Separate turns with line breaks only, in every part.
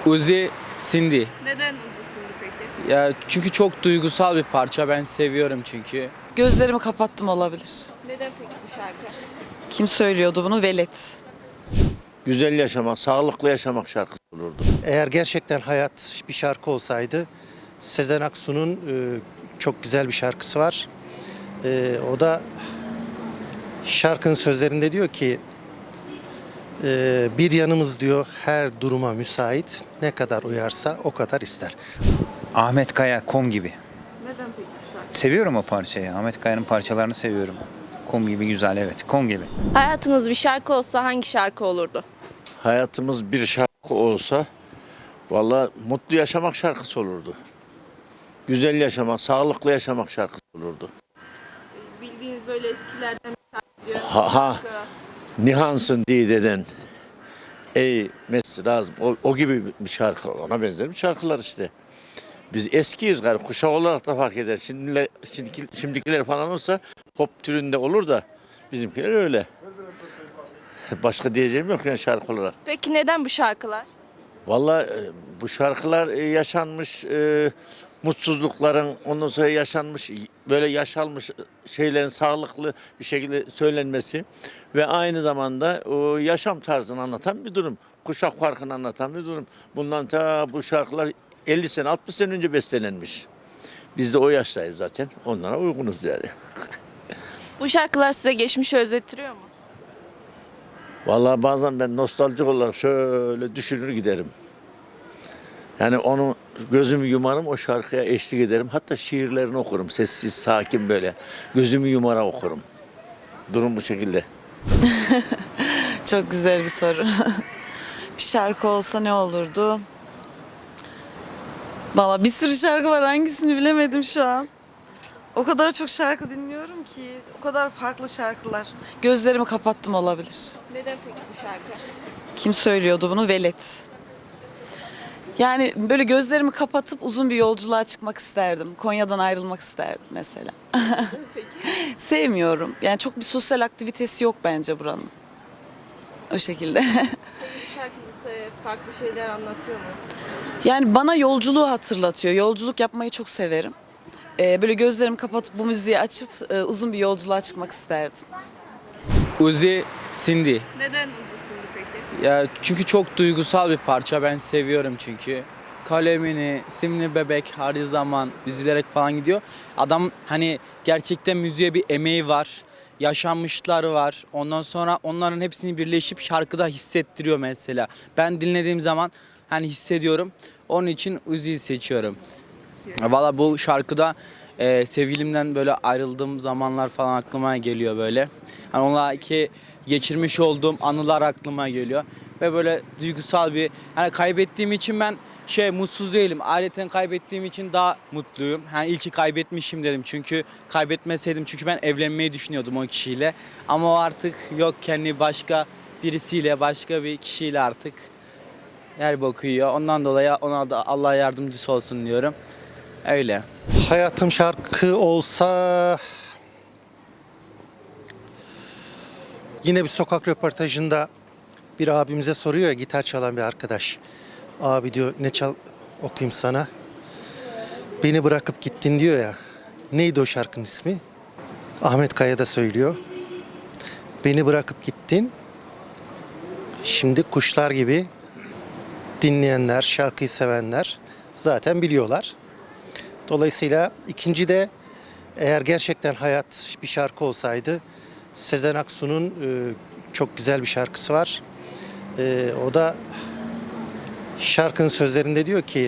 Uzi Cindy.
Neden Uzi'sindi peki?
Ya çünkü çok duygusal bir parça. Ben seviyorum çünkü.
Gözlerimi kapattım olabilir.
Neden peki bu şarkı?
Kim söylüyordu bunu? Velet.
Güzel yaşamak, sağlıklı yaşamak şarkısı olurdu.
Eğer gerçekten hayat bir şarkı olsaydı Sezen Aksu'nun çok güzel bir şarkısı var. O da şarkının sözlerinde diyor ki bir yanımız diyor her duruma müsait, ne kadar uyarsa o kadar ister.
Ahmet Kaya, Kom gibi.
Neden peki bu şarkı?
Seviyorum o parçayı. Ahmet Kaya'nın parçalarını seviyorum. Kom gibi güzel, evet. Kom gibi.
Hayatınız bir şarkı olsa hangi şarkı olurdu?
Hayatımız bir şarkı olsa vallahi mutlu yaşamak şarkısı olurdu. Güzel yaşamak, sağlıklı yaşamak şarkısı olurdu.
Bildiğiniz böyle eskilerden bir şarkıcı.
Ha, Nihansın dideden. Ey Mesrazım. O gibi bir şarkı. Ona benzer bir şarkılar işte. Biz eskiyiz galiba. Kuşak olarak da fark eder. Şimdikiler falan olsa pop türünde olur da bizimkiler öyle. Başka diyeceğim yok yani şarkı olarak.
Peki neden bu şarkılar?
Vallahi bu şarkılar yaşanmış mutsuzlukların, ondan sonra yaşanmış böyle yaşanmış şeylerin sağlıklı bir şekilde söylenmesi ve aynı zamanda o yaşam tarzını anlatan bir durum. Kuşak farkını anlatan bir durum. Bundan ta bu şarkılar 50 sene 60 sene önce bestelenmiş. Biz de o yaştayız zaten. Onlara uygunuz yani.
Bu şarkılar size geçmişi özlettiriyor mu?
Vallahi bazen ben nostaljik olarak şöyle düşünür giderim. Yani onu gözümü yumarım, o şarkıya eşlik ederim. Hatta şiirlerini okurum. Sessiz, sakin böyle. Gözümü yumara okurum. Durum bu şekilde.
Çok güzel bir soru. Bir şarkı olsa ne olurdu? Valla bir sürü şarkı var. Hangisini bilemedim şu an. O kadar çok şarkı dinliyorum ki. O kadar farklı şarkılar. Gözlerimi kapattım olabilir.
Neden peki bu şarkı?
Kim söylüyordu bunu? Velet. Yani böyle gözlerimi kapatıp uzun bir yolculuğa çıkmak isterdim. Konya'dan ayrılmak isterdim mesela. Sevmiyorum. Yani çok bir sosyal aktivitesi yok bence buranın. O şekilde.
Bu şarkı size farklı şeyler anlatıyor mu?
Yani bana yolculuğu hatırlatıyor. Yolculuk yapmayı çok severim. Böyle gözlerimi kapatıp bu müziği açıp uzun bir yolculuğa çıkmak isterdim.
Uzi Cindy.
Neden Uzi'sindi peki?
Ya çünkü çok duygusal bir parça. Ben seviyorum çünkü. Kalemini, simli bebek her zaman üzülerek falan gidiyor. Adam hani gerçekten müziğe bir emeği var. Yaşanmışları var. Ondan sonra onların hepsini birleşip şarkıda hissettiriyor mesela. Ben dinlediğim zaman hani hissediyorum. Onun için Uzi'yi seçiyorum. Valla bu şarkıda sevgilimden böyle ayrıldığım zamanlar falan aklıma geliyor böyle. Hani onunla ki geçirmiş olduğum anılar aklıma geliyor. Ve böyle duygusal bir, hani kaybettiğim için ben mutsuz değilim. Aileten kaybettiğim için daha mutluyum. Hani iyi ki kaybetmişim dedim. Çünkü kaybetmeseydim, çünkü ben evlenmeyi düşünüyordum o kişiyle. Ama o artık yok, kendi başka birisiyle, başka bir kişiyle artık yer bakıyor. Ondan dolayı ona da Allah yardımcısı olsun diyorum. Öyle.
Hayatım şarkı olsa yine bir sokak röportajında bir abimize soruyor ya, gitar çalan bir arkadaş. Abi diyor, ne okuyayım sana? Beni bırakıp gittin diyor ya. Neydi o şarkının ismi? Ahmet Kaya da söylüyor. Beni bırakıp gittin. Şimdi kuşlar gibi dinleyenler, şarkıyı sevenler zaten biliyorlar. Dolayısıyla ikinci de, eğer gerçekten hayat bir şarkı olsaydı Sezen Aksu'nun çok güzel bir şarkısı var. O da şarkının sözlerinde diyor ki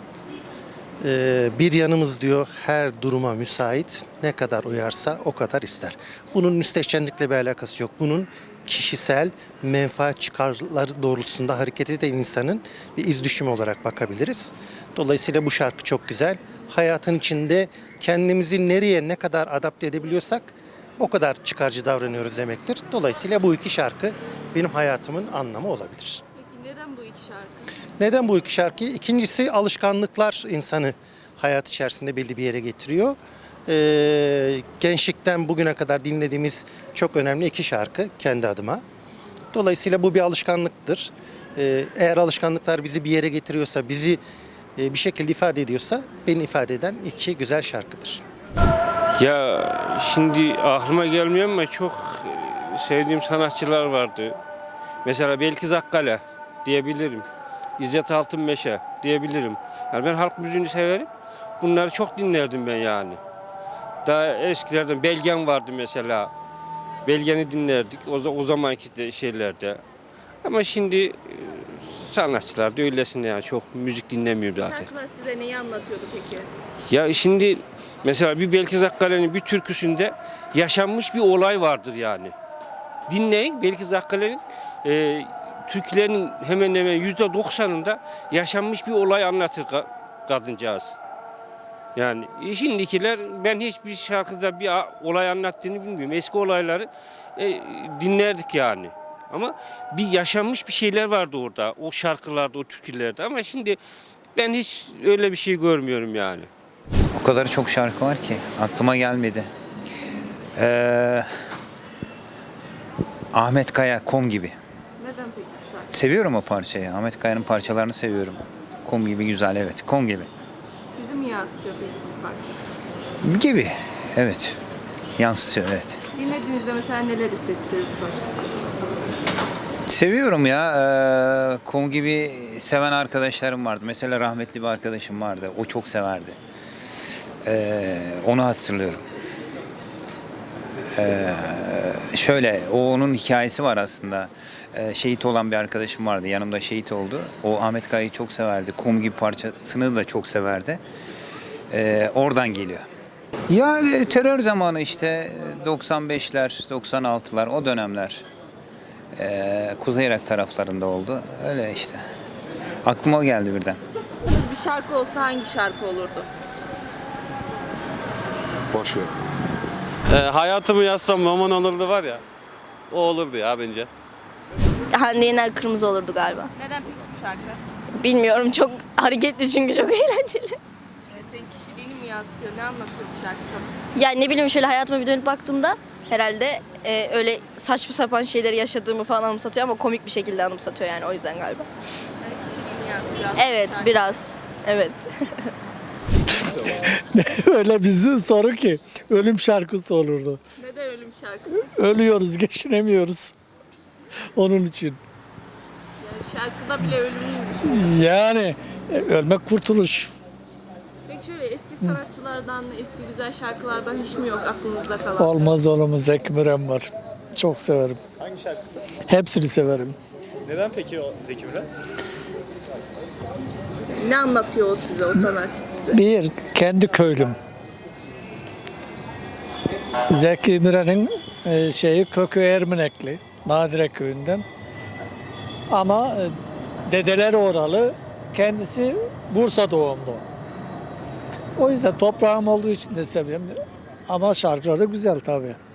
bir yanımız diyor her duruma müsait, ne kadar uyarsa o kadar ister. Bunun müstehcenlikle bir alakası yok. Bunun kişisel menfaat çıkarları doğrultusunda hareket eden insanın bir iz düşümü olarak bakabiliriz. Dolayısıyla bu şarkı çok güzel. Hayatın içinde kendimizi nereye ne kadar adapte edebiliyorsak o kadar çıkarcı davranıyoruz demektir. Dolayısıyla bu iki şarkı benim hayatımın anlamı olabilir.
Peki neden bu iki şarkı?
Neden bu iki şarkı? İkincisi, alışkanlıklar insanı hayat içerisinde belli bir yere getiriyor. Gençlikten bugüne kadar dinlediğimiz çok önemli iki şarkı kendi adıma. Dolayısıyla bu bir alışkanlıktır. Eğer alışkanlıklar bizi bir yere getiriyorsa, bizi bir şekilde ifade ediyorsa beni ifade eden iki güzel şarkıdır.
Ya şimdi aklıma gelmiyor ama çok sevdiğim sanatçılar vardı. Mesela Belkiz Akkale diyebilirim. İzzet Altınmeşe diyebilirim. Yani ben halk müziğini severim. Bunları çok dinlerdim ben yani. Daha eskilerden Belgen vardı mesela. Belgen'i dinlerdik o zamanki şeylerde. Ama şimdi sanatçılar da öylesine yani çok müzik dinlemiyorum zaten.
Şarkılar size neyi anlatıyordu peki?
Ya şimdi mesela bir Belkiz Akkale'nin bir türküsünde yaşanmış bir olay vardır yani. Dinleyin Belkiz Akkale'nin türkülerinin hemen hemen %90'ında yaşanmış bir olay anlatır kadıncağız. Yani şimdikiler ben hiçbir şarkıda bir olay anlattığını bilmiyorum. Eski olayları dinlerdik yani. Ama bir yaşanmış bir şeyler vardı orada. O şarkılarda, o türkülerde. Ama şimdi ben hiç öyle bir şey görmüyorum yani.
O kadar çok şarkı var ki aklıma gelmedi. Ahmet Kaya, Kum gibi.
Neden peki bu şarkı?
Seviyorum o parçayı. Ahmet Kaya'nın parçalarını seviyorum. Kum gibi güzel, evet. Kum gibi.
Sizi mi yansıtıyor peki bu parça?
Gibi, evet. Yansıtıyor, evet.
Dinlediğinizde mesela neler hissettiriyor bu parçası?
Seviyorum ya. Kum gibi seven arkadaşlarım vardı. Mesela rahmetli bir arkadaşım vardı. O çok severdi. Onu hatırlıyorum. Şöyle, onun hikayesi var aslında. Şehit olan bir arkadaşım vardı. Yanımda şehit oldu. O Ahmet Kaya'yı çok severdi. Kum gibi parçasını da çok severdi. Oradan geliyor. Ya terör zamanı işte 95'ler, 96'lar o dönemler. Kuzey Irak taraflarında oldu. Öyle işte. Aklıma o geldi birden.
Bir şarkı olsa hangi şarkı olurdu?
Boş ver. Hayatımı yazsam roman olurdu var ya. O olurdu ya bence.
Hande Yener Kırmızı olurdu galiba.
Neden peki bu şarkı?
Bilmiyorum, çok hareketli çünkü çok eğlenceli.
Senin kişiliğini mi yansıtıyor? Ne anlatıyor bu şarkı sana?
Yani ne bileyim, şöyle hayatıma bir dönüp baktığımda herhalde öyle saçma sapan şeyleri yaşadığımı falan anımsatıyor ama komik bir şekilde anımsatıyor yani, o yüzden galiba.
Yani kişiliğini yansıtıyor aslında
Evet,
şarkı.
biraz. Evet.
Öyle bizi soru ki ölüm şarkısı olurdu.
Neden ölüm şarkısı?
Ölüyoruz, geçinemiyoruz. Onun için.
Yani şarkıda bile ölümü mü düşünüyorsun?
Yani ölmek kurtuluş.
Peki şöyle eski sanatçılardan, eski güzel şarkılardan hiç mi yok aklınızda kalan?
Olmaz olmaz, Zeki Müren var. Çok severim.
Hangi şarkısı?
Hepsini severim.
Neden peki o Zeki Müren?
Ne anlatıyor o size, o sanatçı size?
Bir, kendi köylüm. Zeki Müren'in kökü Ermenekli, Nadire köyünden. Ama dedeleri oralı, kendisi Bursa doğumlu. O yüzden toprağım olduğu için de seviyorum. Ama şarkıları güzel tabii.